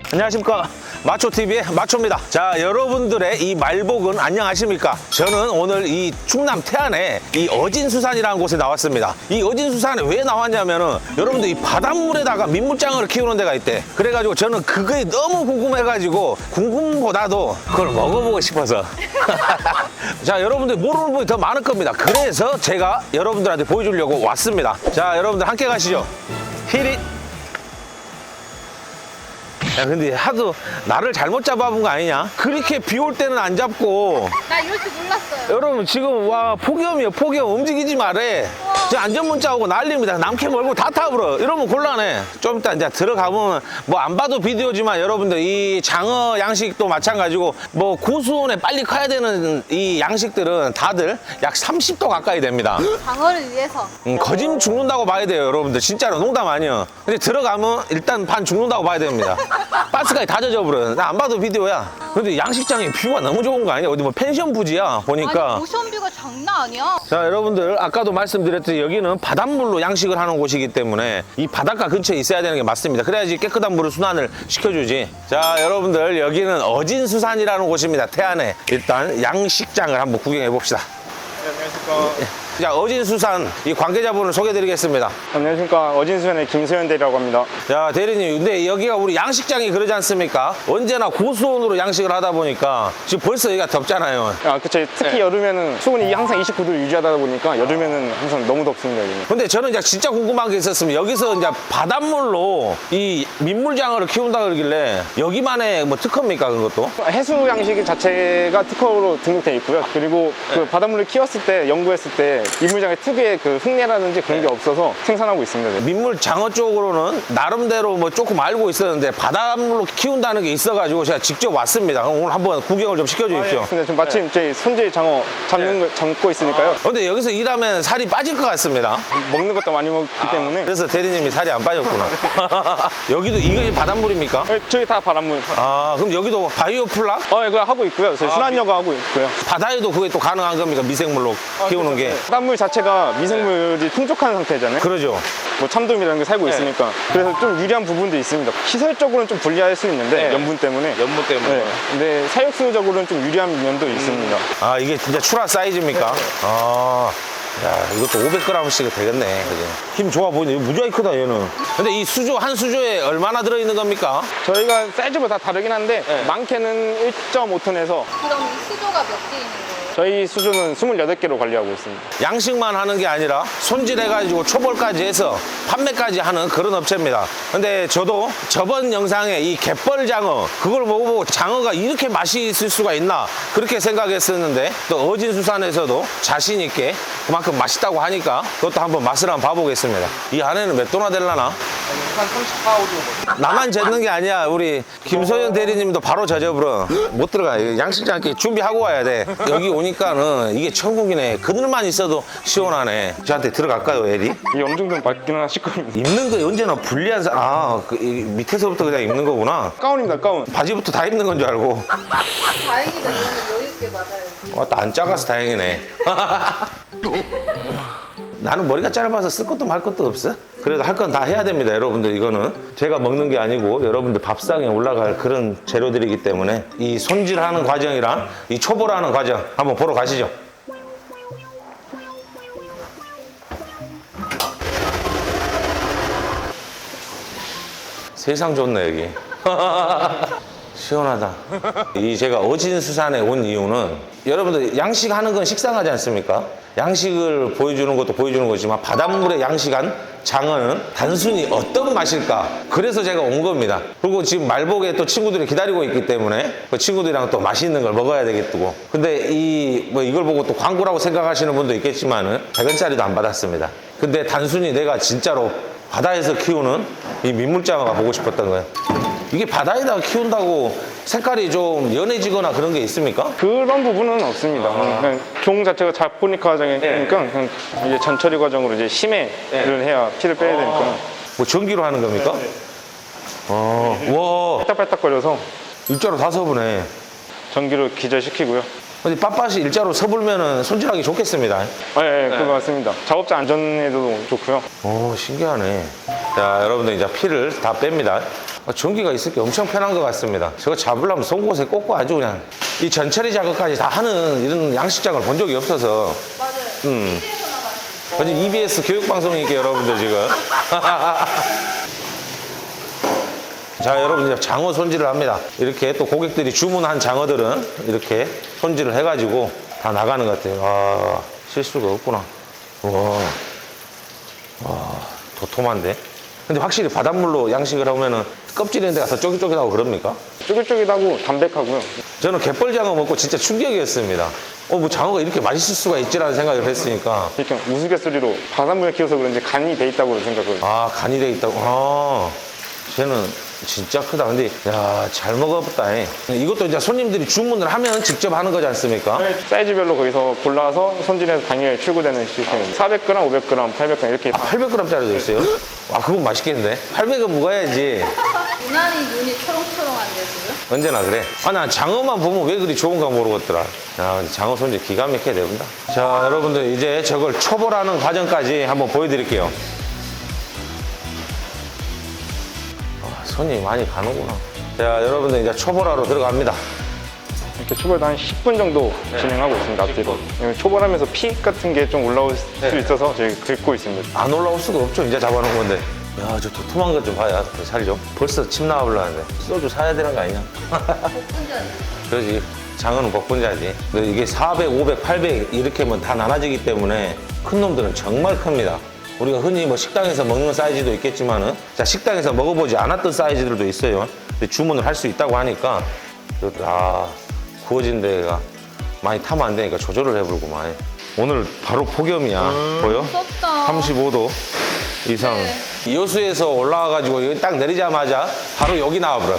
안녕하십니까, 마초TV의 마초입니다. 자, 여러분들의 이 말복은 안녕하십니까? 저는 오늘 이 충남 태안에 이 어진수산이라는 곳에 나왔습니다. 이 어진수산에 왜 나왔냐면은 여러분들 이 바닷물에다가 민물장어를 키우는 데가 있대. 그래가지고 저는 그게 너무 궁금해가지고 궁금보다도 그걸 먹어보고 싶어서 자, 여러분들 모르는 분이 더 많을 겁니다. 그래서 제가 여러분들한테 보여주려고 왔습니다. 자, 여러분들 함께 가시죠. 히릿. 야, 근데 하도 나를 잘못 잡아본 거 아니냐? 그렇게 비 올 때는 안 잡고. 나 이럴 줄 몰랐어요. 여러분 지금 와 폭염이에요. 폭염. 움직이지 말래. 저 안전문자 오고 난립니다. 남캐 몰고 다 타버려. 이러면 곤란해. 좀 이따 이제 들어가보면 뭐 안 봐도 비디오지만 여러분들 이 장어 양식도 마찬가지고 뭐 고수온에 빨리 커야 되는 이 양식들은 다들 약 30도 가까이 됩니다. 장어를 위해서. 거짓 죽는다고 봐야 돼요, 여러분들. 진짜로 농담 아니에요. 근데 들어가면 일단 반 죽는다고 봐야 됩니다. 가스까지 다 젖어버려. 나 안 봐도 비디오야. 근데 양식장에 뷰가 너무 좋은 거 아니야? 어디 뭐 펜션 부지야 보니까. 아니, 오션뷰가 장난 아니야. 자, 여러분들 아까도 말씀드렸듯이 여기는 바닷물로 양식을 하는 곳이기 때문에 이 바닷가 근처에 있어야 되는 게 맞습니다. 그래야지 깨끗한 물을 순환을 시켜주지. 자, 여러분들 여기는 어진수산이라는 곳입니다. 태안에. 일단 양식장을 한번 구경해 봅시다. 네, 안녕하십니까. 자, 어진수산 이 관계자분을 소개해드리겠습니다. 안녕하십니까. 어진수산의 김소연 대리라고 합니다. 자, 대리님, 근데 여기가 우리 양식장이 그러지 않습니까? 언제나 고수온으로 양식을 하다 보니까 지금 벌써 여기가 덥잖아요. 아, 그쵸. 특히 여름에는 수온이 항상 29도를 유지하다 보니까 여름에는 항상 너무 덥습니다, 여기는. 근데 저는 이제 진짜 궁금한 게 있었으면 여기서 이제 바닷물로 이 민물장어를 키운다 그러길래 여기만의 뭐 특허입니까, 그것도? 해수 양식 자체가 특허로 등록되어 있고요. 그리고 그 바닷물을 키웠을 때, 연구했을 때 민물장의 특유의 그 흙내라든지 그런 게 없어서 생산하고 있습니다. 네. 민물장어 쪽으로는 나름대로 뭐 조금 알고 있었는데 바닷물로 키운다는 게 있어가지고 제가 직접 왔습니다. 그럼 오늘 한번 구경을 좀 시켜주십시오. 근데 지금 마침 저희 손질 장어 잡고 있으니까요. 근데 여기서 일하면 살이 빠질 것 같습니다. 먹는 것도 많이 먹기 때문에. 그래서 대리님이 살이 안 빠졌구나. 여기도 이것이 바닷물입니까? 저희 다 바닷물. 아, 그럼 여기도 바이오 플락? 그거 하고 있고요. 저희 순환여가 하고 있고요. 바다에도 그게 또 가능한 겁니까? 미생물로 키우는 게. 바닷물 자체가 미생물이 풍족한 상태잖아요. 그러죠. 뭐 참돔이라는 게 살고 있으니까 그래서 좀 유리한 부분도 있습니다. 시설적으로는 좀 불리할 수 있는데 염분 때문에 연무 때문에. 네. 근데 사육수적으로는 좀 유리한 면도 있습니다. 아, 이게 진짜 출하 사이즈입니까? 아, 야, 이것도 500g씩 되겠네. 그지? 힘 좋아 보이네. 이거 무지하게 크다, 얘는. 근데 이 수조, 한 수조에 얼마나 들어있는 겁니까? 저희가 사이즈가 다 다르긴 한데 많게는 1.5톤에서 그럼 이 수조가 몇 개 있는 거예요? 저희 수조는 28개로 관리하고 있습니다. 양식만 하는 게 아니라 손질해가지고 초벌까지 해서 판매까지 하는 그런 업체입니다. 근데 저도 저번 영상에 이 갯벌장어, 그걸 먹어보고 장어가 이렇게 맛이 있을 수가 있나 그렇게 생각했었는데 또 어진수산에서도 자신 있게 그만큼 맛있다고 하니까 그것도 한번 맛을 한번 봐보겠습니다. 이 안에는 몇 도나 될라나? 한 34, 5도. 나만 젖는 게 아니야. 우리 김소연 대리님도 바로 젖어버려. 못 들어가. 양식장 이렇게 준비하고 와야 돼. 여기 오니까는 이게 천국이네. 그늘만 있어도 시원하네. 저한테 들어갈까요, 에리? 이게 어느 정도는 맞기는 하실 겁니다. 입는 거 언제나 불리한 사 이 밑에서부터 그냥 입는 거구나. 가운입니다, 가운. 바지부터 다 입는 건 줄 알고. 다행이다. 이거는 여유 있게 맞아요. 왔다 안 작아서 다행이네. 나는 머리가 짧아서 쓸 것도 말 것도 없어. 그래도 할 건 다 해야 됩니다, 여러분들. 이거는 제가 먹는 게 아니고 여러분들 밥상에 올라갈 그런 재료들이기 때문에 이 손질하는 과정이랑 이 초벌하는 과정 한번 보러 가시죠. 세상 좋네, 여기. 시원하다. 이 제가 어진수산에 온 이유는 여러분들 양식하는 건 식상하지 않습니까? 양식을 보여주는 것도 보여주는 거지만 바닷물에 양식한 장어는 단순히 어떤 맛일까? 그래서 제가 온 겁니다. 그리고 지금 말복에 또 친구들이 기다리고 있기 때문에 그 친구들이랑 또 맛있는 걸 먹어야 되겠고. 근데 이걸 보고 또 광고라고 생각하시는 분도 있겠지만은 100원짜리도 안 받았습니다. 근데 단순히 내가 진짜로 바다에서 키우는 이 민물장어가 보고 싶었던 거예요. 이게 바다에다가 키운다고 색깔이 좀 연해지거나 그런 게 있습니까? 그런 부분은 없습니다. 그냥 종 자체가 자포닉 과정이니까 그냥 이제 전처리 과정으로 이제 심해를 해야 피를 빼야 되니까 뭐 전기로 하는 겁니까? 와, 빨딱빨딱거려서 일자로 다 서브네. 전기로 기절시키고요. 근데 빳빳이 일자로 서불면은 손질하기 좋겠습니다. 그거 맞습니다. 작업자 안전에도 좋고요. 오, 신기하네. 자, 여러분들 이제 피를 다 뺍니다. 전기가 있을 게 엄청 편한 것 같습니다. 저거 잡으려면 송곳에 꽂고 아주 그냥 이 전처리 작업까지 다 하는 이런 양식장을 본 적이 없어서. 맞아요. TV에서나 봤어요. 어제 EBS 교육방송이니까 여러분들 지금. 자, 여러분 이제 장어 손질을 합니다. 이렇게 또 고객들이 주문한 장어들은 이렇게 손질을 해가지고 다 나가는 것 같아요. 아, 실수가 없구나. 와, 도톰한데? 근데 확실히 바닷물로 양식을 하면은 껍질 있는 데가 더 쫄깃쫄깃하고 그럽니까? 쫄깃쫄깃하고 담백하고요. 저는 갯벌장어 먹고 진짜 충격이었습니다. 뭐 장어가 이렇게 맛있을 수가 있지라는 생각을 했으니까. 이렇게 우스갯소리로 바닷물에 키워서 그런지 간이 돼 있다고 생각을. 아, 간이 돼 있다고. 아, 쟤는 진짜 크다. 근데 야, 잘 먹었다. 이것도 이제 손님들이 주문을 하면 직접 하는 거지 않습니까? 사이즈별로 거기서 골라서 손질해서 당일 출고되는 시스템입니다. 400g, 500g, 800g 이렇게. 800g짜리도 있어요? 아, 그건 맛있겠는데? 800은 먹어야지. 유난히 눈이 초롱초롱한데 지금? 언제나 그래. 아, 난 장어만 보면 왜 그리 좋은가 모르겠더라. 야, 근데 장어 손질 기가 막히게 됩니다. 자, 여러분들 이제 저걸 초벌하는 과정까지 한번 보여드릴게요. 손이 많이 가는구나. 자, 여러분들 이제 초벌하러 들어갑니다. 이렇게 초벌도 한 10분 정도 진행하고 있습니다. 앞뒤로. 초벌하면서 피 같은 게 좀 올라올 수 있어서 저희 긁고 있습니다. 안 올라올 수가 없죠. 이제 잡아놓은 건데. 야, 저 도톰한 것 좀 봐야. 그 살 좀. 벌써 침 나와버렸는데. 소주 사야 되는 거 아니냐? 복분자. 그러지. 장어는 복분자지. 근데 이게 400, 500, 800 이렇게 하면 다 나눠지기 때문에 큰 놈들은 정말 큽니다. 우리가 흔히 뭐 식당에서 먹는 사이즈도 있겠지만은, 자, 식당에서 먹어보지 않았던 사이즈들도 있어요. 근데 주문을 할 수 있다고 하니까, 아, 구워진 데가 많이 타면 안 되니까 조절을 해보구만. 오늘 바로 폭염이야. 보여? 무섭다. 35도 이상. 네. 여수에서 올라와가지고 여기 딱 내리자마자 바로 여기 나와버려.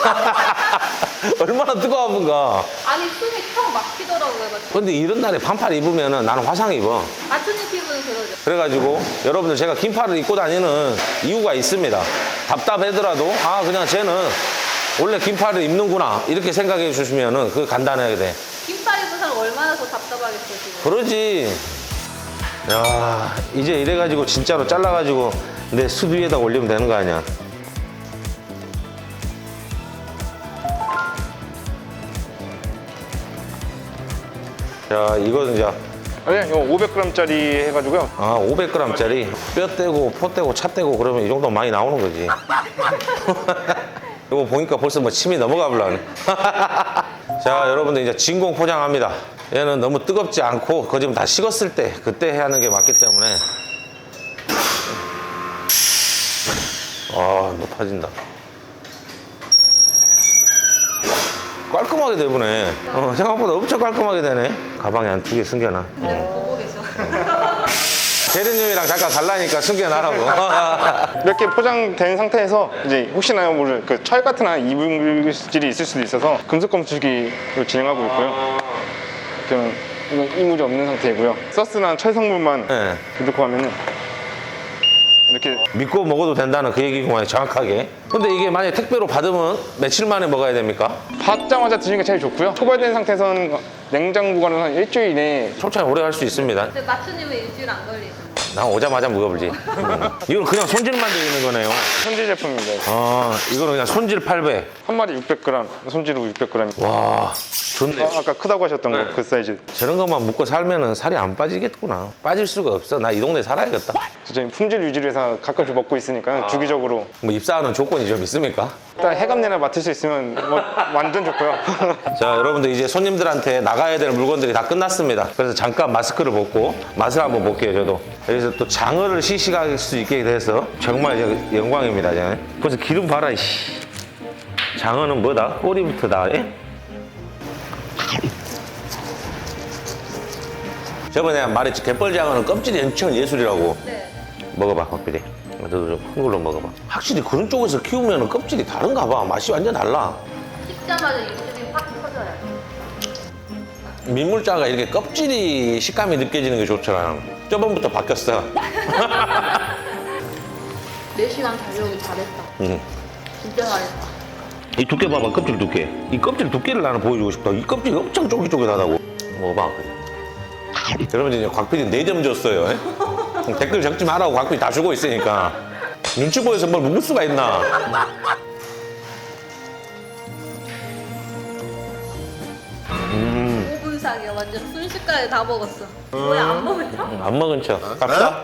얼마나 뜨거운가. 아니 숨이 턱 막히더라고요. 근데 이런 날에 반팔 입으면은 나는 화상 입어. 아트님 피부는 그러죠. 그래가지고 여러분들 제가 긴팔을 입고 다니는 이유가 있습니다. 답답하더라도 아, 그냥 쟤는 원래 긴팔을 입는구나 이렇게 생각해 주시면은 그게 간단하게 돼. 긴팔 입은 사람 얼마나 더 답답하겠어 지금. 그러지. 야, 이제 이래가지고 진짜로 잘라가지고 내 숯 위에다 올리면 되는 거 아니야. 자, 이거는 이제 네, 이거 500g짜리 해가지고요. 아, 500g짜리 뼈 떼고 포 떼고 차 떼고 그러면 이 정도 많이 나오는 거지. 이거 보니까 벌써 뭐 침이 넘어가 버려네. 자, 여러분들 이제 진공 포장합니다. 얘는 너무 뜨겁지 않고 거짓말 다 식었을 때 그때 해야 하는 게 맞기 때문에. 아, 높아진다. 깔끔하게 되보네. 생각보다 엄청 깔끔하게 되네. 가방에 한 2개 숨겨놔. 네, 보고 계셔. 대리님이랑 잠깐 갈라니까 숨겨놔라고. 이렇게 포장된 상태에서 이제 혹시나 모를 그 철 같은 한 이물질이 있을 수도 있어서 금속 검수기로 진행하고 있고요. 이건 이물이 없는 상태이고요. 서스나 철 성분만 네. 넣고 하면은 이렇게 믿고 먹어도 된다는 그 얘기구만, 정확하게. 근데 이게 만약에 택배로 받으면 며칠 만에 먹어야 됩니까? 받자마자 드시는 게 제일 좋고요. 초벌된 상태에서는 냉장 보관은 한 일주일 이내에. 솔직히 오래 할 수 있습니다. 근데 마추님은 일주일 안 걸리죠. 난 오자마자 먹어보지. 이건 그냥 손질만 되어 있는 거네요. 손질 제품입니다. 아, 이거는 그냥 손질 800. 한 마리 600g, 손질로 600g. 와, 좋네. 아까 크다고 하셨던 거 그 사이즈. 저런 것만 먹고 살면은 살이 안 빠지겠구나. 빠질 수가 없어. 나 이 동네 살아야겠다. 저희 품질 유지를 해서 가끔씩 먹고 있으니까 주기적으로. 뭐 입사하는 조건이 좀 있습니까? 일단 해감내나 맡을 수 있으면 뭐 완전 좋고요. 자, 여러분들 이제 손님들한테 나가야 될 물건들이 다 끝났습니다. 그래서 잠깐 마스크를 벗고 맛을 한번 볼게요, 저도. 여기서 또 장어를 시식할 수 있게 돼서 정말 이제 영광입니다. 이제. 벌써 기름 봐라, 이씨. 장어는 뭐다? 꼬리부터 다. 예? 저번에 말했지, 갯벌장어는 껍질이 엄청 예술이라고. 네. 먹어봐, 껍질이. 너도 좀 큰 걸로 먹어봐. 확실히 그런 쪽에서 키우면 껍질이 다른가 봐. 맛이 완전 달라. 씹자마자 입술이 확 터져요. 민물장어가 이렇게 껍질이 식감이 느껴지는 게 좋더라. 저번부터 바뀌었어. 4시간 달려오기 잘했다. 응. 진짜 잘했다. 이 두께 봐봐, 껍질 두께. 이 껍질 두께를 나는 보여주고 싶다. 이 껍질이 엄청 쫄깃쫄깃하다고. 먹어봐. 여러분들 이제 곽PD 4점 줬어요. 댓글 적지 말라고 곽PD 다 주고 있으니까. 눈치 보여서 뭘 묵을 수가 있나. 손가락이야. 완전 순식간에 다 먹었어. 뭐야 안 먹었어? 안 먹은 척 갑시다.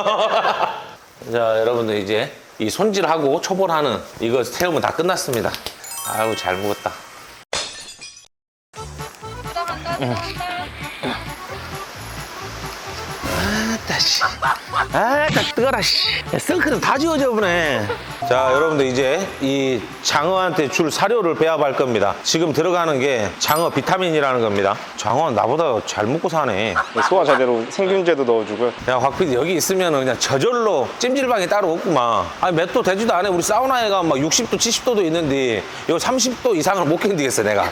자, 여러분들 이제 이 손질하고 초벌하는 이거 태우면 다 끝났습니다. 아유, 잘 먹었다. 아따 씨. 아따 뜨거라 씨. 썬크는 다 지워져 보네. 자, 여러분들 이제 이 장어한테 줄 사료를 배합할 겁니다. 지금 들어가는 게 장어 비타민이라는 겁니다. 장어는 나보다 잘 먹고 사네. 소화 제대로 생균제도 넣어주고요. 야, 확필 여기 있으면 그냥 저절로 찜질방이 따로 없구만. 아니, 몇 도 되지도 않아. 우리 사우나에 가면 막 60도, 70도도 있는데 이거 30도 이상을 못 견디겠어, 내가.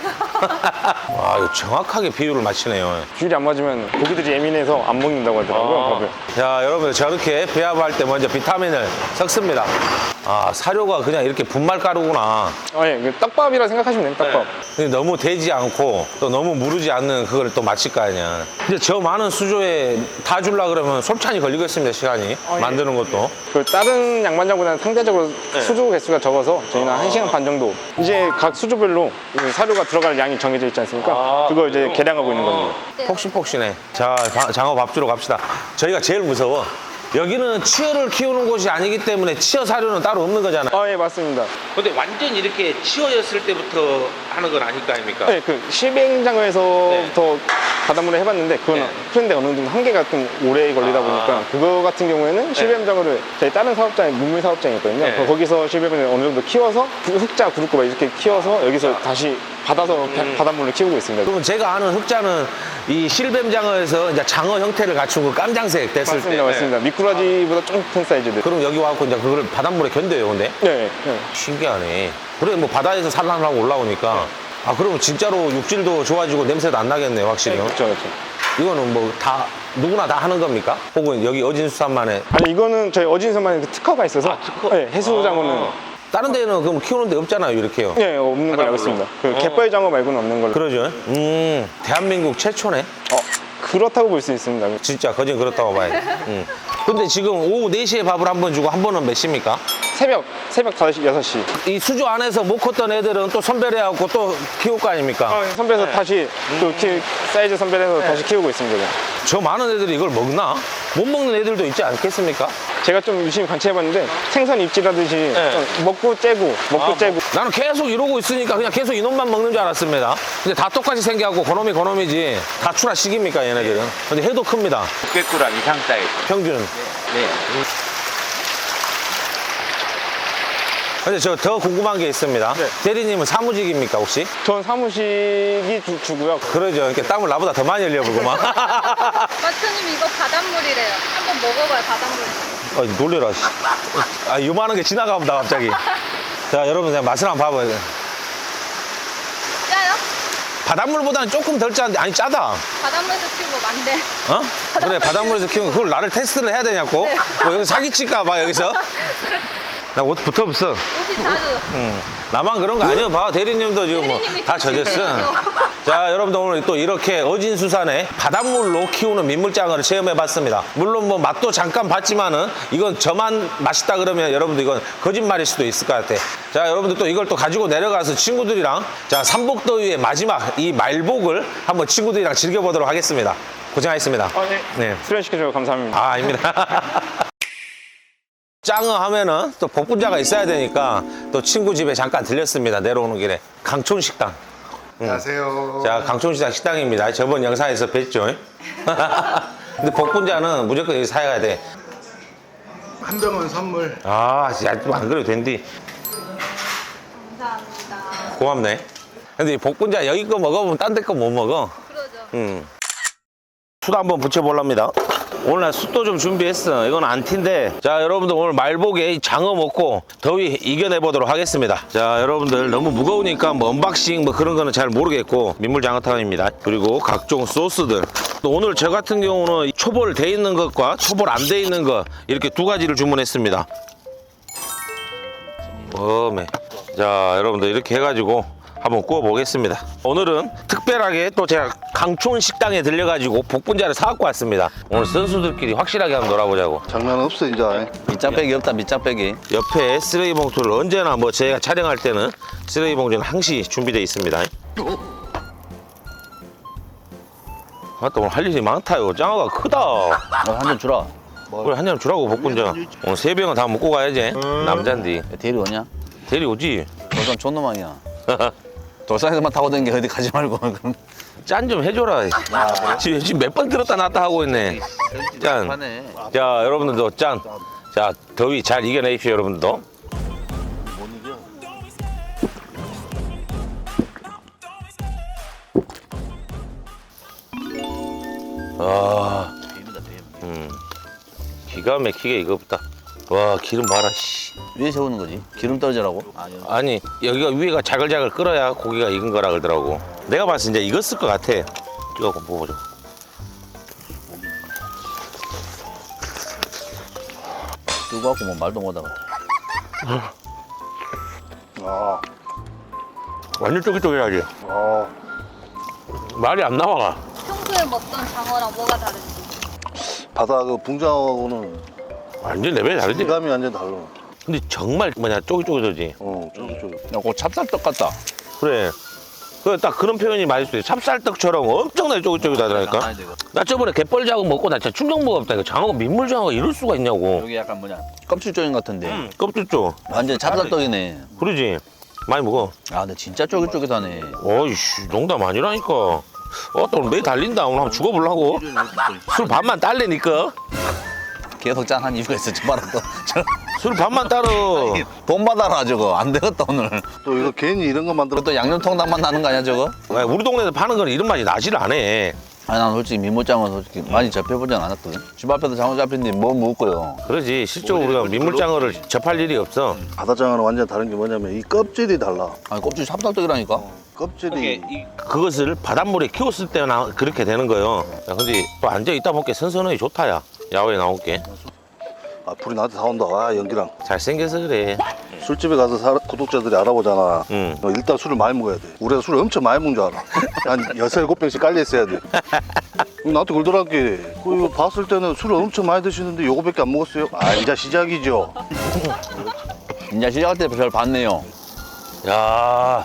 와, 이거 정확하게 비율을 맞추네요. 비율이 안 맞으면 고기들이 예민해서 안 먹는다고 하더라고요. 밥을. 자, 여러분 저렇게 배합할 때 먼저 비타민을 섞습니다. 아, 사료가 그냥 이렇게 분말가루구나. 아, 예. 그 떡밥이라 생각하시면 됩니다. 떡밥. 근데 너무 되지 않고 또 너무 무르지 않는 그걸 또 맞힐 거 아니야. 근데 저 많은 수조에 다 주려 그러면 솔찬히 걸리겠습니다, 시간이. 예. 만드는 것도. 그 다른 양반장보다는 상대적으로 수조 개수가 적어서 저희는 1시간 반 정도. 이제 각 수조별로 그 사료가 들어갈 양이 정해져 있지 않습니까? 그걸 이제 계량하고 있는 겁니다. 폭신폭신해. 자, 장어 밥 주러 갑시다. 저희가 제일 무서워. 여기는 치어를 키우는 곳이 아니기 때문에 치어 사료는 따로 없는 거잖아요. 아, 예, 맞습니다. 근데 완전 이렇게 치어였을 때부터 하는 건 아닐 거 아닙니까? 네, 그 실뱅장어에서부터 바닷물에 해봤는데 그건 그런데 어느 정도 한계가 좀 오래 걸리다 보니까 그거 같은 경우에는 실뱀장어를 저희 다른 사업장에 문물 사업장이 있거든요. 네. 거기서 실뱀을 어느 정도 키워서 흑자 구루꼬바 이렇게 키워서 여기서 다시 받아서 바닷물을 키우고 있습니다. 그러면 제가 아는 흑자는 이 실뱀장어에서 이제 장어 형태를 갖춘 그 깜장색 됐을 맞습니다, 때. 맞습니다. 미꾸라지보다 좀 큰 사이즈들. 그럼 여기 와갖고 이제 그걸 바닷물에 견뎌요, 근데? 네, 네. 신기하네. 그래, 뭐 바다에서 산란하고 올라오니까. 아, 그러면 진짜로 육질도 좋아지고 냄새도 안 나겠네요, 확실히. 그렇죠, 그렇죠. 이거는 뭐 다, 누구나 다 하는 겁니까? 혹은 여기 어진수산만의. 아니 이거는 저희 어진선만의 그 특허가 있어서 네, 해수장어는 다른 데는 그럼 키우는 데 없잖아요, 이렇게요. 네, 없는 걸로 알고 있습니다. 그 갯벌장어 말고는 없는 걸로. 그러죠. 대한민국 최초네. 그렇다고 볼 수 있습니다. 진짜 거진 그렇다고 봐야 돼. 근데 지금 오후 4시에 밥을 한 번 주고 한 번은 몇 시입니까? 새벽 5시, 6시. 이 수조 안에서 못 컸던 애들은 또 선별해갖고 또 키울 거 아닙니까? 선별해서 다시 또 사이즈 선별해서 다시 키우고 있습니다. 저 많은 애들이 이걸 먹나? 못 먹는 애들도 있지 않겠습니까? 제가 좀 유심히 관찰해봤는데 생선 입질하듯이 좀 먹고 째고 나는 계속 이러고 있으니까 그냥 계속 이놈만 먹는 줄 알았습니다. 근데 다 똑같이 생겨갖고 그놈이지. 다 출하식입니까, 얘네들은? 근데 해도 큽니다. 600g 이상 사이즈. 평균. 네. 근데 저 더 궁금한 게 있습니다. 네. 대리님은 사무직입니까, 혹시? 전 사무식이 주고요. 그러죠. 이렇게 땀을 나보다 더 많이 흘려보고만. 마트님 이거 바닷물이래요. 한번 먹어봐요 바닷물. 놀래라. 씨. 아, 요만한 게 지나가본다, 갑자기. 자, 여러분, 그냥 맛을 한번 봐봐요. 짜요? 바닷물보다는 조금 덜 짜는데, 아니, 짜다. 바닷물에서 키우고 만데. 어? 그래, 바닷물에서 키우는 거. 그걸 나를 테스트를 해야 되냐고? 네. 뭐 여기 사기칠까봐, 여기서? 나 옷 붙어 없어. 옷이 자주. 나만 그런 거 아니야. 봐, 대리님도 지금 뭐 대리님이 다 젖었어. 젖으세요. 자, 여러분들 오늘 또 이렇게 어진수산에 바닷물로 키우는 민물장어를 체험해봤습니다. 물론 뭐 맛도 잠깐 봤지만은 이건 저만 맛있다 그러면 여러분들 이건 거짓말일 수도 있을 것 같아. 자, 여러분들 또 이걸 또 가지고 내려가서 친구들이랑 자, 삼복더위의 마지막 이 말복을 한번 친구들이랑 즐겨보도록 하겠습니다. 고생하셨습니다. 네. 네. 출연시켜주셔서 감사합니다. 아, 아닙니다. 짱어 하면은 또 복분자가 있어야 되니까 또 친구 집에 잠깐 들렸습니다. 내려오는 길에. 강촌식당. 안녕하세요. 자, 강촌시장 식당입니다. 저번 영상에서 뵀죠. 근데 복분자는 무조건 여기 사야 돼. 한 병은 선물. 아, 야, 안 그래도 된디. 감사합니다. 고맙네. 근데 이 복분자 여기 거 먹어보면 딴 데 거 못 먹어. 그러죠. 숯 한번 붙여볼랍니다. 오늘 나 숯도 좀 준비했어. 이건 안티인데. 자, 여러분들 오늘 말복에 장어 먹고 더위 이겨내보도록 하겠습니다. 자, 여러분들 너무 무거우니까 뭐 언박싱 뭐 그런 거는 잘 모르겠고 민물장어탕입니다. 그리고 각종 소스들. 또 오늘 저 같은 경우는 초벌 돼 있는 것과 초벌 안 돼 있는 것 이렇게 두 가지를 주문했습니다. 어메. 자, 여러분들 이렇게 해가지고 한번 구워 보겠습니다. 오늘은 특별하게 또 제가 강촌 식당에 들려가지고 복분자를 사갖고 왔습니다. 오늘 선수들끼리 확실하게 한번 놀아보자고. 장난 없어 이제. 밑장빼기 없다, 밑장빼기. 옆에 쓰레기 봉투를 언제나 뭐 제가 촬영할 때는 쓰레기 봉투는 항시 준비되어 있습니다. 맞다, 오늘 할 일이 많다요. 장어가 크다. 한잔 주라. 그래, 한 잔 주라고, 복분자. 오늘 3병은 다 먹고 가야지. 남잔디. 대리 오냐? 대리 오지? 돌산 존놈아니야. 돌산에서만 타고 다니는 게 어디 가지 말고. 그럼. 짠 좀 해줘라. 지금 몇 번 들었다 놨다 하고 있네. 짠. 자, 여러분들도 짠. 자, 더위 잘 이겨내십시오, 여러분들도. 아, 기가 막히게 익었다. 와, 기름 봐라, 씨. 위에 세우는 거지. 기름 떨어지라고? 아니, 여기가 위에가 자글자글 끓어야 고기가 익은 거라 그러더라고. 내가 봤을 때 이제 익었을 것 같아. 이거 먹어보자. 뜨거워갖고 뭐 말도 못하고. 아, 완전 쫄깃쫄깃하지? 아, 말이 안 나와. 평소에 먹던 장어랑 뭐가 다른지. 바다 그 붕장어하고는 완전 레벨이 다르지? 질감이 완전 달라. 근데 정말 뭐냐, 쫄깃쫄깃하지? 쫄깃쫄깃. 야, 그 찹쌀떡 같다. 그래. 그 딱 그런 표현이 맞을 수 있어. 찹쌀떡처럼 엄청나게 쫄깃쫄깃하다니까? 나 저번에 갯벌장어 먹고 나 진짜 충격 먹었다니까. 장어가 민물장어가 이럴 수가 있냐고. 여기 약간 뭐냐? 껍질 조임 같은데. 껍질 쪽. 완전 찹쌀떡이네. 그러지? 많이 먹어. 아, 근데 진짜 쫄깃쫄깃하네. 어이씨, 농담 아니라니까. 또 오늘 매일 달린다. 오늘 한번 죽어보려고. 술 반만 딸래니까. 계속 짠한 이유가 있어. 저 봐라 또. 술 반만 따로. 돈 받아라 저거. 안 되겠다 오늘. 또 이거 괜히 이런 거 만들어. 또 양념통닭만 나는 거 아니야 저거? 야, 우리 동네에서 파는 건 이런 맛이 나지를 않아. 아니 난 솔직히 민물장어 솔직히 많이 접해보진 않았거든. 집 앞에서 장어 잡힌데 뭐 먹고요. 그러지. 실제로 우리가 민물장어를 접할 일이 없어. 바다장어는 완전 다른 게 뭐냐면 이 껍질이 달라. 아니 껍질 찹쌀떡이라니까. 껍질이 그것을 바닷물에 키웠을 때나 그렇게 되는 거예요. 야, 근데 또 앉아 있다 보니까 선선하게 좋다야. 야외에 나올게. 아, 불이 나한테 다 온다. 아, 연기랑. 잘생겨서 그래. 술집에 가서 구독자들이 알아보잖아. 응. 일단 술을 많이 먹어야 돼. 우리가 술을 엄청 많이 먹는 줄 알아. 한 6, 7병씩 깔려 있어야 돼. 나한테 그러더라고. 이거 봤을 때는 술을 엄청 많이 드시는데 요거밖에 안 먹었어요. 아, 이제 시작이죠. 이제 시작할 때 별 봤네요. 야,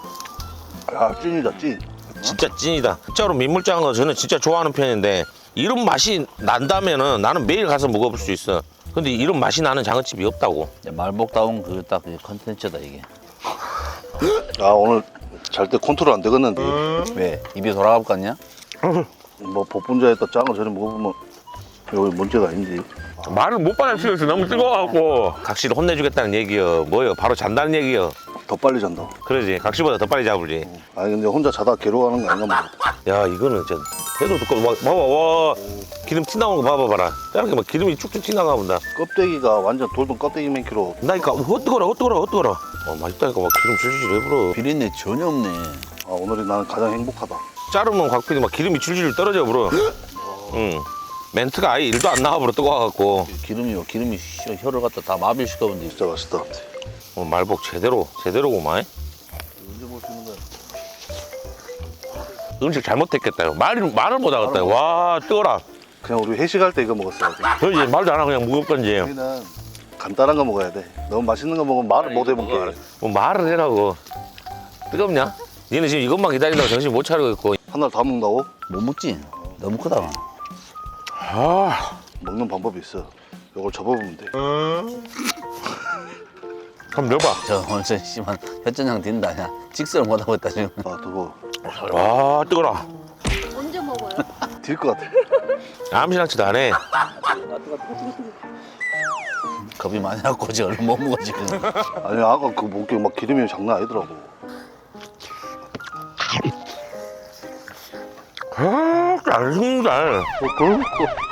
아, 찐이다, 찐. 진짜 찐이다. 진짜로 민물장어 저는 진짜 좋아하는 편인데 이런 맛이 난다면은 나는 매일 가서 먹어볼 수 있어. 근데 이런 맛이 나는 장어집이 없다고. 말복다운 그 딱 컨텐츠다 이게. 아, 오늘 잘 때 컨트롤 안 되겠는데. 왜? 입이 돌아갈 것 같냐? 뭐 복분자에다 짱을 전에 먹어보면 여기 문제가 아닌지. 말을 못 받아치겠어. 너무 뜨거워갖고. 각시를 혼내주겠다는 얘기여. 뭐여? 바로 잔다는 얘기여. 더 빨리 잔다. 그러지. 각시보다 더 빨리 잡을지. 아니 근데 혼자 자다 괴로워하는 거 아닌가 뭐. 야, 이거는 진짜 해도 두꺼워. 봐봐, 와. 기름 튀 나온 거 봐봐라. 이렇게 막 기름이 쭉쭉 튀 나가 본다. 껍데기가 완전 돌돔 껍데기만 키로. 나니까 헛뜨거라. 맛있다니까 막 기름 줄줄 해버려. 비린내 전혀 없네. 아, 오늘이 나는 가장 행복하다. 자르면 곽PD 막 기름이 줄줄 떨어져 버려. 응. 멘트가 아예 일도 안 나와버려 뜨거워갖고. 기름이 혀를 갖다 다 마비시켜본데. 진짜 맛있다. 말복 제대로구만. 언제 볼 수 있는 거야? 음식 잘못했겠다. 말을 못 하겠다. 와, 뜨거라. 그냥 우리 회식할 때 이거 먹었어야지. 그러지. 말도 안 하고 그냥 무겁던지. 우리는 간단한 거 먹어야 돼. 너무 맛있는 거 먹으면 말을 못 해볼게. 뭐 말을 해라고. 뜨겁냐? 니는 지금 이것만 기다린다고 정신 못 차리고 있고. 하나를 다 먹는다고? 못 먹지? 너무 크다. 아, 먹는 방법이 있어. 이걸 접어보면 돼. 한번 넣어봐. 저 오늘 저 심한 혈전장 딘다. 야 직설을 못하고 있다 지금. 아, 뜨거워. 와, 뜨거라. 언제 먹어요? 딜 것 같아. 암시랑치도 안 해. 겁이 많이 났고 지금 얼른 못 먹어 지금. 아니, 아까 그 목에 막 기름이 장난 아니더라고. 아, 잘 식는다. 그러니까.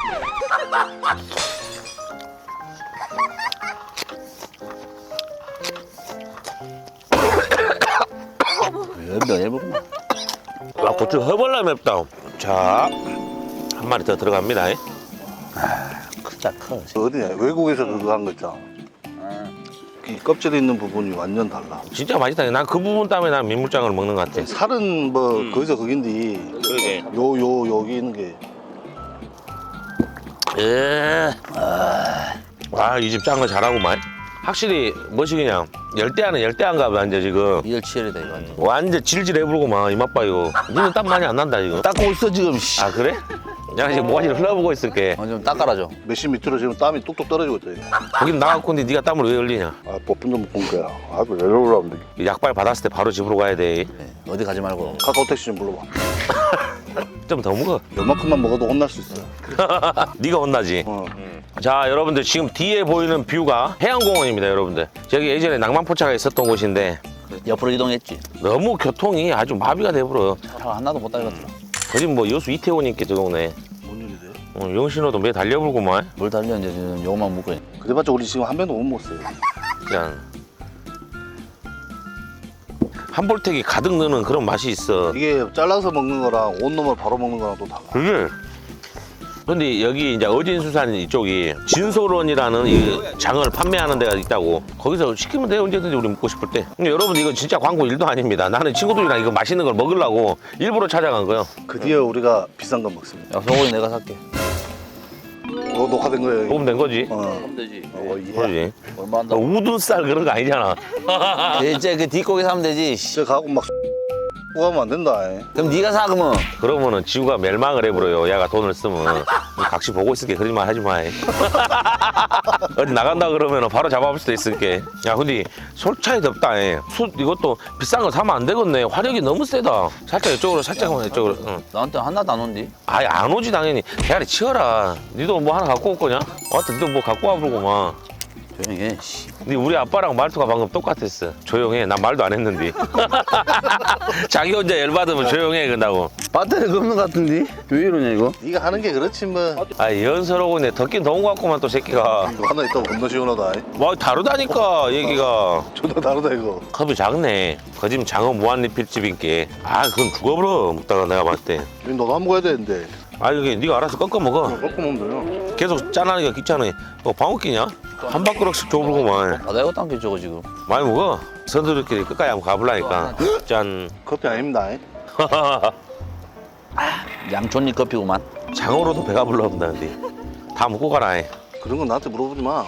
열병 열병. 와, 고추 허벌나 맵다. 자, 한 마리 더 들어갑니다. 크다 커. 어디냐? 외국에서 그거 한 거 있잖아. 이 껍질에 있는 부분이 완전 달라. 진짜 맛있다. 난 그 부분 때문에 난 민물장어를 먹는 것 같아. 살은 뭐 거기서 거긴데 그러게. 여기 있는 게 예. 와, 이 집 짠 거 잘하고만. 확실히 뭐시기냐 열대야는 열대야인가 봐 이제 지금 이열치열이다 이거 완전. 완전 질질해부르고만 이맛 봐요. 니는 땀 많이 안 난다 지금. 닦고 있어 지금. 씨. 아 그래? 내가 지금 모가지를 흘러보고 있을게. 좀 닦아라죠. 몇십 밑으로 지금 땀이 뚝뚝 떨어지고 있다 이거. 거긴 나갔고 근데 네가 땀을 왜 흘리냐? 아 뽀쁜 좀 먹은 거야. 아 왜 이러려고 하면 돼. 약발 받았을 때 바로 집으로 가야 돼. 네, 어디 가지 말고. 카카오 택시 좀 불러봐. 좀 더 먹어. 요만큼만 먹어도 혼날 수 있어. 네가 혼나지. 어. 자 여러분들 지금 뒤에 보이는 뷰가 해양공원입니다 여러분들. 저기 예전에 낭만포차가 있었던 곳인데 옆으로 이동했지. 너무 교통이 아주 마비가 돼버려. 차가 하나도 못 달렸더라. 거기 뭐 여수 이태원이니까 저 동네. 뭔 일이 돼? 영신호도 매 달려불고만. 뭘 달렸는데 지금 요거만 묶어. 그래봤자 우리 지금 한 병도 못 먹었어요. 그냥 한볼택이 가득 넣는 그런 맛이 있어. 이게 잘라서 먹는 거랑 온 놈을 바로 먹는 거랑 또 달라. 그게. 근데 여기 이제 어진수산 이쪽이 진솔원이라는 이 장어를 판매하는 데가 있다고. 거기서 시키면 돼요 언제든지 우리 먹고 싶을 때. 근데 여러분 이거 진짜 광고 1도 아닙니다. 나는 친구들이랑 이거 맛있는 걸 먹으려고 일부러 찾아간 거예요. 그 뒤에 우리가 비싼 거 먹습니다. 야 소고기 내가 살게. 이거 녹화된 거예요. 먹으면 된 거지. 그럼 되지. 예. 그러지. 얼마 너 한다고? 우둔살 그런 거 아니잖아. 이제 그 뒷고기 사면 되지. 씨. 저 가고 막 구하면 안 된다. 그럼 네가 사 그러면. 그러면은 지구가 멸망을 해버려요. 야가 돈을 쓰면. 각시 보고 있을게. 그런 말 하지 마. 어디 나간다 그러면 바로 잡아볼 수도 있을게. 야 근데 솔차이 덥다. 숯 이것도 비싼 거 사면 안 되겠네. 화력이 너무 세다. 살짝 이쪽으로 살짝만 이쪽으로. 응. 나한테 하나도 안 온디. 아예 안 오지 당연히. 대가리 치워라. 니도 뭐 하나 갖고 올 거냐? 하여튼 니도 뭐 갖고 와보고만. 조용히 해. 씨. 근데 우리 아빠랑 말투가 방금 똑같았어. 조용해. 난 말도 안 했는데. 자기 혼자 열받으면 조용해 그런다고. 배터리가 없는 것 같은데? 왜 이러냐 이거? 네가 하는 게 그렇지 뭐. 아 연서러고 네 덥긴 더운 거 같구만 또 새끼가. 이거 하나 있다고 겁나 시원하다. 뭐 다르다니까 얘기가. 존나 다르다 이거. 컵이 작네. 거짓 장어 무한리필집인게. 아 그건 죽어버려 먹다가 내가 봤을 때. 이거 너도 안 먹어야 되는데. 아 이게 네가 알아서 꺾어 먹어. 꺾고 먹으면 돼요. 계속 짠하니까 귀찮아. 방어 끼냐? 한 밥그릇씩 줘보고만. 바다 이것도 안 저거 지금. 많이 먹어. 선수들끼리 끝까지 한번 가볼라니까. 짠. 커피 아닙니다. 양촌잎 커피구만. 장어로도 배가 불러온다는데. 다 먹고 가라. 그런 건 나한테 물어보지 마.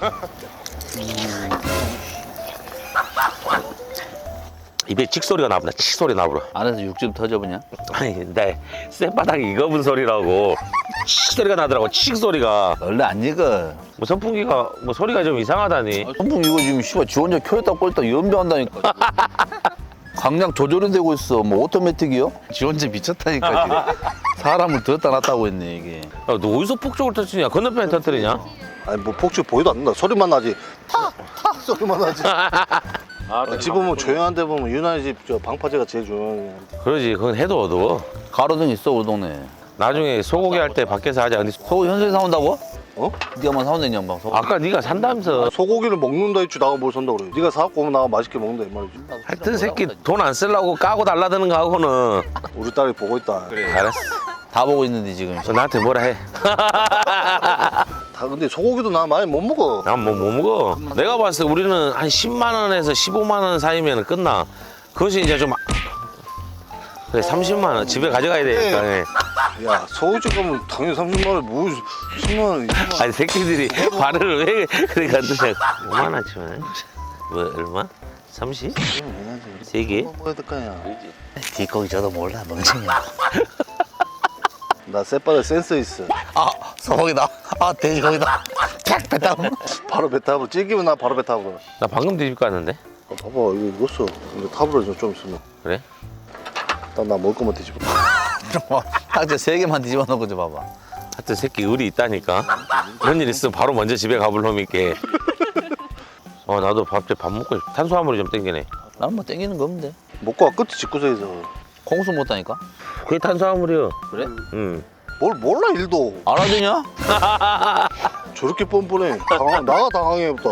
입에 칙소리가 나보다 칙소리 나보라. 안에서 육즙 터져보냐? 아니 내 쌔바닥이 익어본 소리라고 칙소리가 나더라고. 칙소리가. 원래 안 익어. 뭐 선풍기가 뭐 소리가 좀 이상하다니. 선풍 이거 지금 씨발 지 혼자 켜있다 껐다 연병한다니까. 강약 조절이 되고 있어. 뭐 오토매틱이요? 지 혼자 미쳤다니까 지금. 사람을 들었다 놨다고 했네 이게. 야, 너 어디서 폭죽을 터뜨리냐? 건너편에 터뜨리냐? 아니 뭐 폭죽 보이도 안 난다. 소리만 나지. 탁탁 소리만 나지. 집 보면 조용한 데 보면 유난히 집 저 방파제가 제일 조용해. 그러지. 그건 해도 어두워. 가로등 있어 우리 동네. 나중에 소고기 할 때 밖에서 하자. 근데 소고기 현수에 사온다고? 어? 네가 만 사온다냐 막 소고기. 아까 네가 산다면서. 소고기를 먹는다 했지 나가 뭘 산다 그래. 네가 사갖고 오면 나가 맛있게 먹는다 이 말이지. 하여튼 새끼 돈 안 쓰려고 까고 달라드는 거 하고는. 우리 딸이 보고 있다. 알았어. 다 보고 있는데 지금. 너 나한테 뭐라 해. 다 근데 소고기도 나 많이 못 먹어. 난 뭐 못 먹어. 내가 봤을 때 우리는 한 10만 원에서 15만 원 사이면 끝나. 그것이 이제 좀 그래 30만 원 집에 가져가야 되니까. 예. 야 소고기 가면 당연히 30만 원에 뭐 10만 원 20만 원. 아니 새끼들이 발을 왜 그래 간다냐. 5만 원치면 뭐 얼마? 30? 세 개? 뭐 먹어야 될 거야. 뒷고기 저도 몰라 멍청이야. 나 쌔바닥 센스 있어. 아 소고기다. 아 돼지고기다. 탁 뱉다. 바로 배 타고 찌기면 나 바로 배 타고. 나 방금 뒤집 갔는데. 봐봐 이거 익었어. 이제 타버려 좀 있으면. 그래? 딱 나 먹을 거만 뒤집어. 딱지 3개만 뒤집어 놓고 좀 봐봐. 하여튼 새끼 의리 있다니까. 그런 일 있으면 바로 먼저 집에 가볼 놈이 있게. 나도 밥 먹고 싶어. 탄수화물이 좀 땡기네. 나는 뭐 땡기는 거 없는데. 먹고 와 끝에 집구석에서. 콩수 못하니까. 그게 탄수화물이요. 그래? 응. 뭘 몰라 일도. 알아주냐? 저렇게 뻔뻔해. 나가 당황해부터.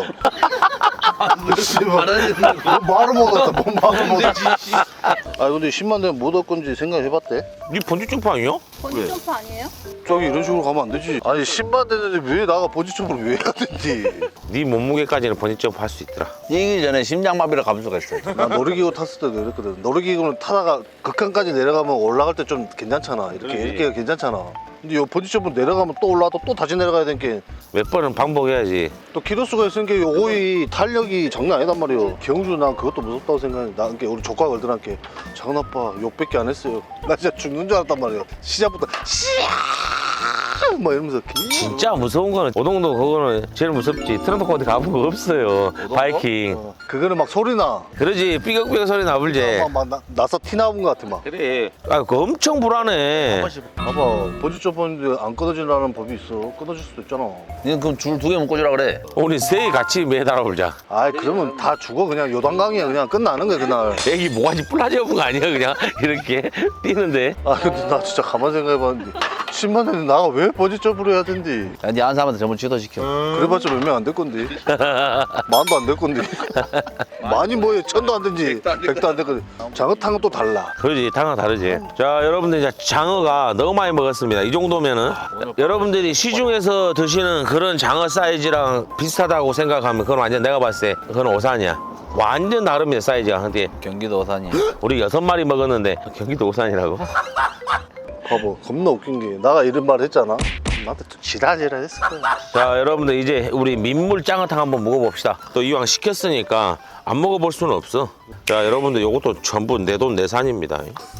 말을 못했다. 뭔 말을 못했지. 아 근데 10만 되면 뭐 얻을 건지 생각해봤대? 네 번지점프 아니야? 번지 점프 아니에요? 저기 이런 식으로 가면 안 되지. 아니 10만 되는데 왜 나가 번지점프를 왜 해야 되지? 네 몸무게까지는 번지점프 할 수 있더라. 이기 전에 심장마비를 감을 수가 있어. 나 놀이기구 탔을 때도 이랬거든. 놀이기구는 타다가 극한까지 내려가면 올라갈 때 좀 괜찮잖아. 이렇게 괜찮잖아. 근데 요 번지점프 내려가면 또 올라가다 또 다시 내려가야 되니까 몇 번은 반복해야지. 또 키로수가 있으니까 요거의 탄력이 장난 아니단 말이에요. 경주 난 그것도 무섭다고 생각해. 나 그러니까 우리 조카 걸들한테 작은 아빠 욕밖에 안 했어요. 나 진짜 죽는 줄 알았단 말이에요. 시작부터 씨야 막 이러면서 진짜 무서운 거는 오동도 그거는 제일 무섭지. 트렁크 어디 가본 거 없어요. 바이킹. 그거는 막 소리나. 그러지 삐걱삐걱 소리 나불지. 막 나서 티 나온 것 같아 막. 그래. 아, 그거 엄청 불안해. 봐봐 번지점프인데 안 끊어지라는 법이 있어. 끊어질 수도 있잖아. 니는 그럼 줄 2개만 꽂으라 그래. 우리 셋이 같이 매달아 볼자. 아이 그러면 다 죽어. 그냥 요단강이야. 그냥 끝나는 거야 그날. 애기 모가지 뿔라지 없은 거 아니야 그냥 이렇게 뛰는데. 아 근데 나 진짜 가만 생각해봤는데 10만 원에 나가 왜 번지점프를 해야 된디. 야, 니한 사람한테 전부 취소시켜. 그래봤자 몇 명 안 될 건데. 만도 안 될 건데. 많이 뭐해. 1000도 안 된지 100도 안 될 건데. 장어탕은 또 달라. 그러지, 당은 다르지. 자, 여러분들 이제 장어가 너무 많이 먹었습니다. 이 정도면은 여러분들이 시중에서 드시는 그런 장어 사이즈랑 비슷하다고 생각하면 그건 완전 내가 봤을 때 그건 오산이야. 완전 다릅니다 사이즈가. 근데 경기도 오산이야. 우리 6마리 먹었는데 경기도 오산이라고? 봐봐 겁나 웃긴 게 나가 이런 말 했잖아. 나한테 또 지랄지랄 했을 거야. 자, 여러분들 이제 우리 민물 장어탕 한번 먹어봅시다. 또 이왕 시켰으니까 안 먹어볼 수는 없어. 자, 여러분들 이것도 전부 내 돈 내산입니다.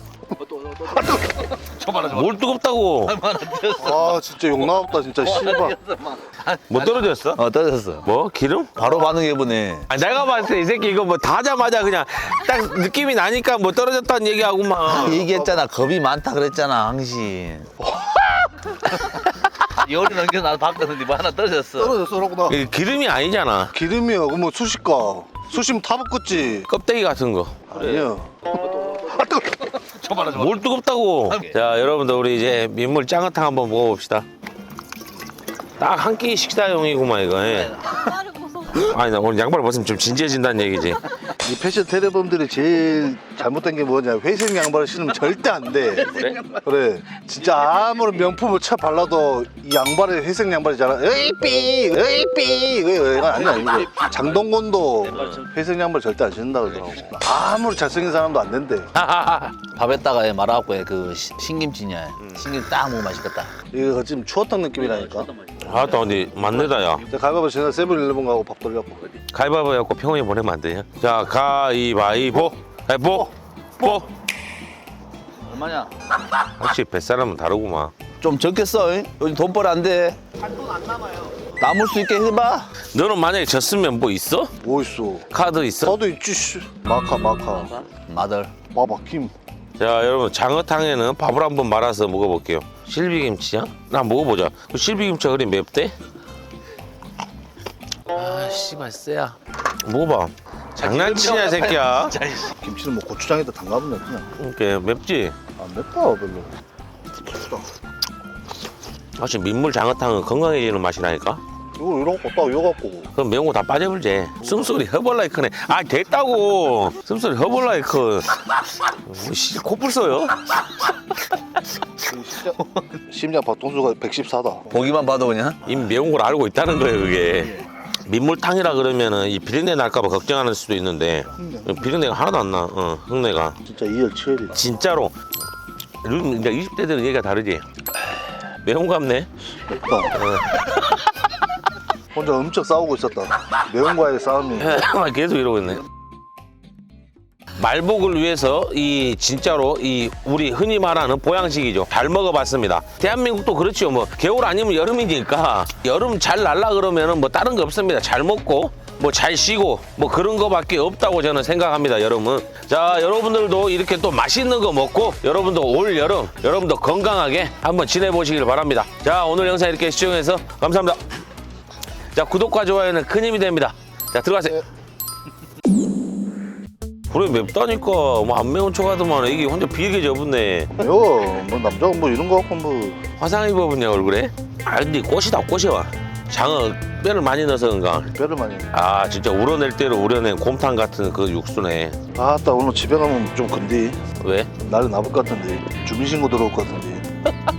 뭘 뜨겁다고? 아 진짜 욕 나왔다 진짜 씨발. 뭐 떨어졌어? 떨어졌어. 뭐? 기름? 바로 반응해보네. 아, 내가 봤을 때 이 새끼 이거 뭐 다 하자마자 그냥 딱 느낌이 나니까 뭐 떨어졌다는 얘기하고만. 얘기했잖아. 겁이 많다 그랬잖아, 항신. 열이 넘겨 나도 봤거든. 뭐 하나 떨어졌어. 떨어졌어라고 나. 이게 기름이 아니잖아. 기름이야. 그럼 뭐 수식가. 수시면 다 붓겠지. 껍데기 같은 거. 아니야. 뭘 뜨겁다고. 자, 여러분들 우리 이제 민물 장어탕 한번 먹어봅시다. 딱 한 끼 식사용이구만 이거. 예. 양말을 벗어. 아니 나 오늘 양말 벗으면 좀 진지해진다는 얘기지. 이 패션 테러범들이 제일 잘못된 게 뭐냐. 회색 양말을 신으면 절대 안 돼. 그래. 진짜 아무런 명품을 쳐 발라도 이 양발에 회색 양발이잖아. 으이삐 으이삐 이거 아니야 이거. 장동건도 회색 양말 절대 안 신는다 그러더라고. 아무리 잘생긴 사람도 안 된대. 밥에다가 말아갖고 그 신김치냐. 신김 딱 먹으면 맛있겠다. 이거 지금 추어탕 느낌이라니까. 아따 근데 맞네다 야. 자, 가위바위보 지난 세븐일레븐 가고 밥 돌려고. 가위바위보 해갖고 평원에 보내면 안 되냐? 자, 가위바위보. 가위보. 보. 얼마냐? 확실히 뱃사람은 다르구만. 좀 적겠어. 잉? 요즘 돈벌 안 돼. 돈 안 남아요. 남을 수 있게 해봐. 너는 만약에 졌으면 뭐 있어? 뭐 있어? 카드 있어? 나도 있지. 씨. 마카. 마들. 봐봐 김. 자, 여러분 장어탕에는 밥을 한번 말아서 먹어볼게요. 실비김치야? 나 먹어보자. 그 실비김치가 그리 맵대? 아, 씨발 쎄야. 먹어봐. 장난치냐 새끼야? 김치는 뭐 고추장에다 담가보면 그냥 이렇게 맵지? 안 맵다 별로. 사실 민물 장어탕은 건강해지는 맛이라니까? 이거 이러고 딱 이거 갖고. 그럼 매운 거 다 빠져불지. 숨소리 허벌나게 크네. 아, 됐다고. 숨소리 허벌나게 커. 씨, 코뿔 써요? 심장 박동수가 114다. 보기만 봐도 그냥. 이미 매운 걸 알고 있다는 거예요, 그게. 민물탕이라 그러면은 이 비린내 날까봐 걱정하는 수도 있는데 비린내가 하나도 안 나. 흙내가. 진짜 이열치열이. 진짜로. 요즘 이제 20대들은 얘기가 다르지. 매운 거 같네. 맵다. 혼자 엄청 싸우고 있었다. 매운과의 싸움이. 계속 이러고 있네. 말복을 위해서 이 진짜로 이 우리 흔히 말하는 보양식이죠. 잘 먹어봤습니다. 대한민국도 그렇죠. 뭐 겨울 아니면 여름이니까 여름 잘 날라 그러면은 뭐 다른 거 없습니다. 잘 먹고 뭐 잘 쉬고 뭐 그런 거밖에 없다고 저는 생각합니다. 여름은. 자, 여러분들도 이렇게 또 맛있는 거 먹고 여러분도 올 여름 여러분도 건강하게 한번 지내보시길 바랍니다. 자, 오늘 영상 이렇게 시청해서 감사합니다. 자, 구독과 좋아요는 큰 힘이 됩니다. 자, 들어가세요. 그래, 맵다니까. 뭐 안 매운 척하더만 이게 혼자 비리게 접었네. 매워. 뭐 남자가 뭐 이런 거 갖고 뭐. 화상 입어봤냐 얼굴에? 아, 근데 꽃이다 꽃이와. 장어 뼈를 많이 넣어서 그런가? 뼈를 많이. 아, 진짜 우려낼 대로 우려낸 곰탕 같은 그 육수네. 아따 오늘 집에 가면 좀 근데 왜? 나를 나쁠 것 같은데 주민신고 들어올 것 같은데.